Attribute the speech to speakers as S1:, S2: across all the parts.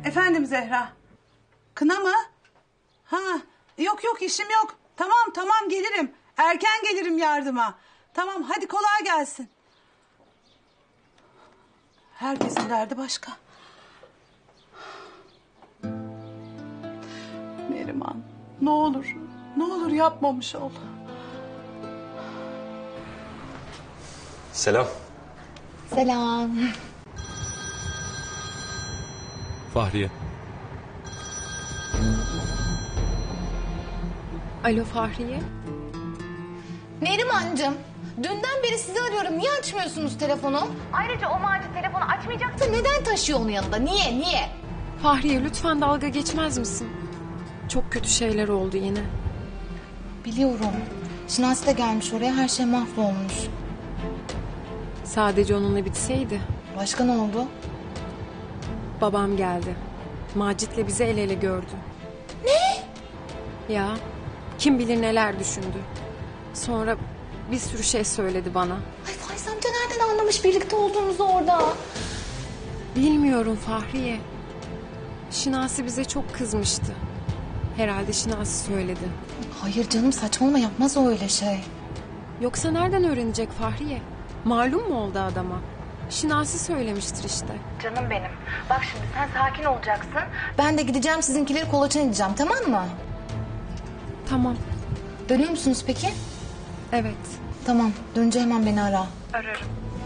S1: Efendim Zehra. Kına mı? Ha, yok işim yok. Tamam gelirim. Erken gelirim yardıma. Tamam hadi kolay gelsin. Herkesin derdi başka. Neriman ne olur yapmamış ol.
S2: Selam.
S3: Selam.
S4: Fahriye.
S5: Alo Fahriye.
S3: Nerimancığım, dünden beri sizi arıyorum. Niye açmıyorsunuz telefonu? Ayrıca o Macit telefonu açmayacaksa neden taşıyor onun yanında? Niye?
S5: Fahriye lütfen dalga geçmez misin? Çok kötü şeyler oldu yine.
S3: Biliyorum. Şinasi de gelmiş oraya, her şey mahvolmuş.
S5: Sadece onunla bitseydi.
S3: Başka ne oldu?
S5: Babam geldi. Macit'le bizi el ele gördü.
S3: Ne?
S5: Ya kim bilir neler düşündü. Sonra bir sürü şey söyledi bana.
S3: Ay Faiz amca nereden anlamış birlikte olduğumuzu orada?
S5: Bilmiyorum Fahriye. Şinasi bize çok kızmıştı. Herhalde Şinasi söyledi.
S3: Hayır canım, saçmalama, yapmaz o öyle şey.
S5: Yoksa nereden öğrenecek Fahriye? Malum mu oldu adama? Şinasi söylemiştir işte.
S3: Canım benim. Bak şimdi sen sakin olacaksın. Ben de gideceğim, sizinkileri kolaçan edeceğim, tamam mı?
S5: Tamam.
S3: Dönüyor musunuz peki?
S5: Evet.
S3: Tamam, dönünce hemen beni ara.
S5: Ararım.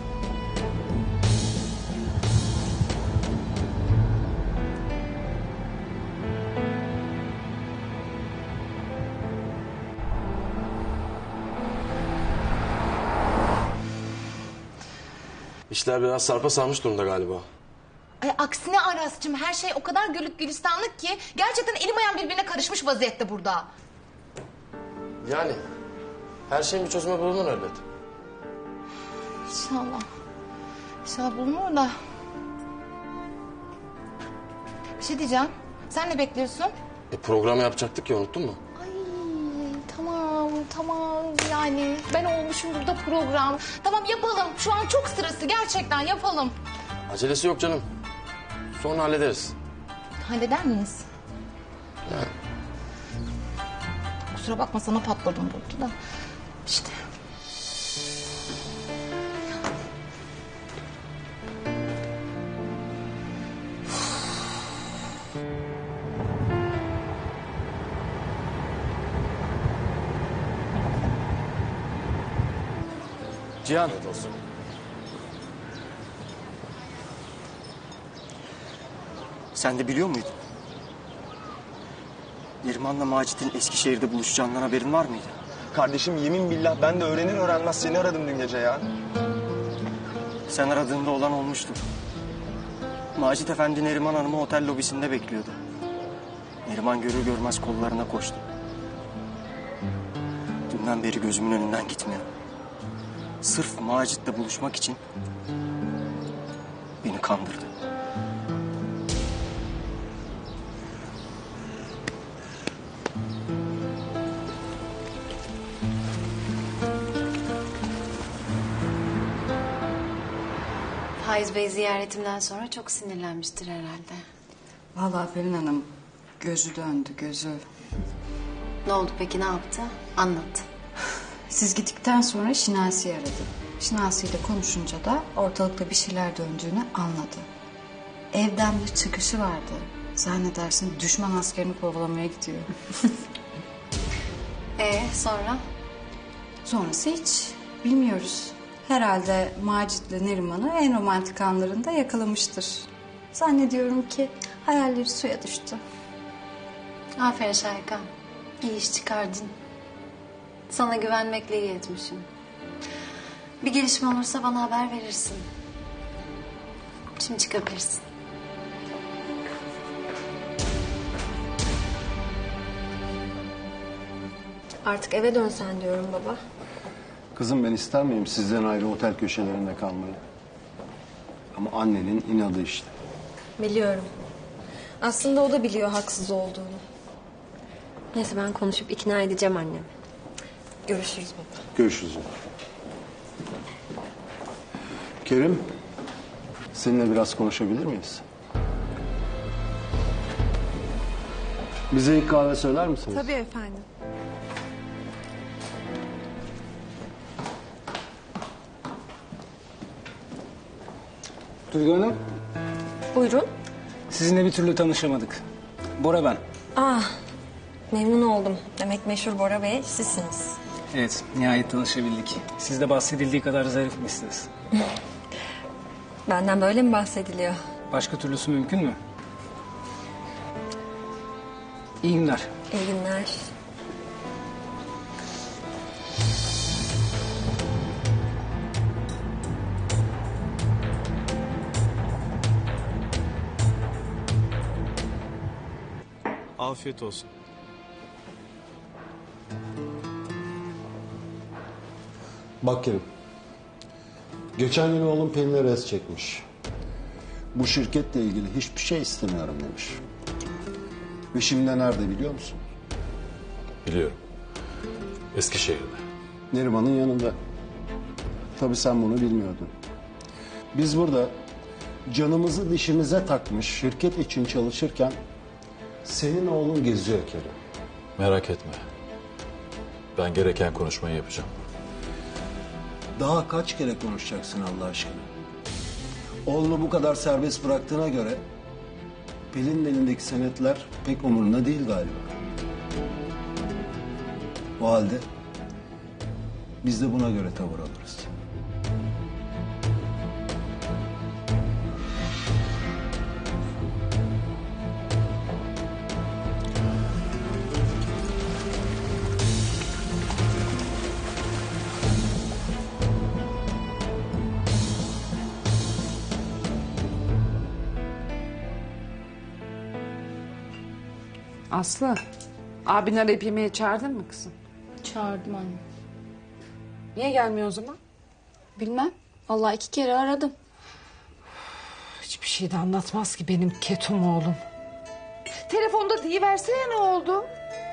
S2: İşler biraz sarpa sarmış durumda galiba.
S3: Ay aksine Aras'cığım, her şey o kadar güllük gülistanlık ki gerçekten elim ayağım birbirine karışmış vaziyette burada.
S2: Yani her şeyin bir çözümü bulunur elbet.
S3: İnşallah. İnşallah bulunur da. Bir şey diyeceğim. Sen ne bekliyorsun?
S2: Program yapacaktık ya, unuttun mu?
S3: Ay tamam yani ben olmuşum burada program. Tamam yapalım. Şu an çok sırası, gerçekten yapalım.
S2: Acelesi yok canım. Sonra hallederiz.
S3: Halleder miyiz?
S2: Yani.
S3: Kusura bakma, sana patladım burada da. İşte.
S6: Cihan.
S2: Evet olsun.
S6: Sen de biliyor muydun? Neriman'la Macit'in Eskişehir'de buluşacağından haberin var mıydı?
S7: Kardeşim yemin billah ben de öğrenir öğrenmez seni aradım dün gece ya.
S6: Sen aradığında olan olmuştu. Macit Efendi Neriman Hanım'ı otel lobisinde bekliyordu. Neriman görür görmez kollarına koştu. Dünden beri gözümün önünden gitmiyor. Sırf Macit'le buluşmak için beni kandırdı.
S8: Faiz Bey ziyaretimden sonra çok sinirlenmiştir herhalde.
S9: Vallahi Pelin Hanım gözü döndü, gözü.
S8: Ne oldu peki, ne yaptı? Anlat.
S9: Siz gittikten sonra Şinasi'yi aradı. Şinasi ile konuşunca da ortalıkta bir şeyler döndüğünü anladı. Evden bir çıkışı vardı. Zannedersin düşman askerini kovalamaya gidiyor.
S8: Sonra?
S9: Sonrası hiç bilmiyoruz. Herhalde Macit'le Neriman'ı en romantik anlarında yakalamıştır. Zannediyorum ki hayalleri suya düştü.
S8: Aferin Şahika. İyi iş çıkardın. Sana güvenmekle iyi etmişim. Bir gelişme olursa bana haber verirsin. Şimdi çıkabilirsin.
S10: Artık eve dönsen diyorum baba.
S11: Kızım ben ister miyim sizden ayrı otel köşelerinde kalmayı? Ama annenin inadı işte.
S10: Biliyorum. Aslında o da biliyor haksız olduğunu. Neyse ben konuşup ikna edeceğim annemi. Görüşürüz baba.
S11: Görüşürüz. Kerim, seninle biraz konuşabilir miyiz? Bize ilk kahve söyler misiniz?
S5: Tabii efendim.
S12: Duygu Hanım,
S10: Buyurun.
S12: sizinle bir türlü tanışamadık. Bora ben.
S10: Memnun oldum. Demek meşhur Bora Bey sizsiniz.
S12: Evet, nihayet tanışabildik. Siz de bahsedildiği kadar zarifmişsiniz.
S10: Benden böyle mi bahsediliyor?
S12: Başka türlüsü mümkün mü? İyi günler.
S10: İyi günler.
S7: Afiyet olsun.
S11: Bak Kerim. Geçen gün oğlum Pelin'e res çekmiş. Bu şirketle ilgili hiçbir şey istemiyorum demiş. Ve şimdi de nerede biliyor musun?
S4: Biliyorum. Eskişehir'de.
S11: Neriman'ın yanında. Tabii sen bunu bilmiyordun. Biz burada canımızı dişimize takmış şirket için çalışırken senin oğlun geziyor Kerim.
S4: Merak etme. Ben gereken konuşmayı yapacağım.
S11: Daha kaç kere konuşacaksın Allah aşkına? Oğlunu bu kadar serbest bıraktığına göre Pelin'in elindeki senetler pek umurunda değil galiba. O halde biz de buna göre tavır alırız.
S1: Aslı, abin arayıp yemeğe çağırdın mı kızım?
S3: Çağırdım anne.
S1: Niye gelmiyor o zaman?
S3: Bilmem. Vallahi 2 kere aradım.
S1: Hiçbir şey de anlatmaz ki benim ketum oğlum. Telefonda deyiversene ne oldu?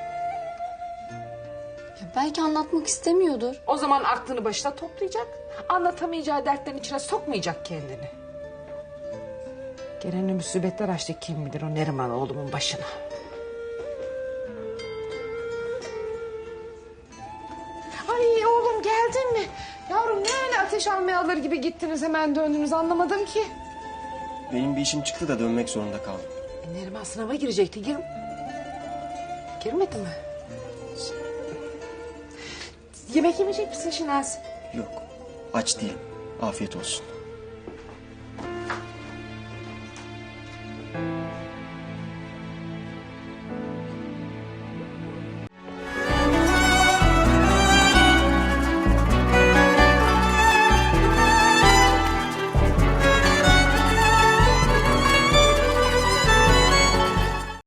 S3: Ya belki anlatmak istemiyordur.
S1: O zaman aklını başına toplayacak. Anlatamayacağı dertlerin içine sokmayacak kendini. Gelen musibetler açtı kim bilir o Neriman oğlumun başına. Ay oğlum geldin mi? Yavrum ne öyle ateş almaya alır gibi gittiniz hemen döndünüz anlamadım ki.
S6: Benim bir işim çıktı da dönmek zorunda kaldım.
S1: Neriman sınava girecekti. Girmedi mi? Yemek yemeyecek misin Şinasi?
S6: Yok, aç değilim. Afiyet olsun.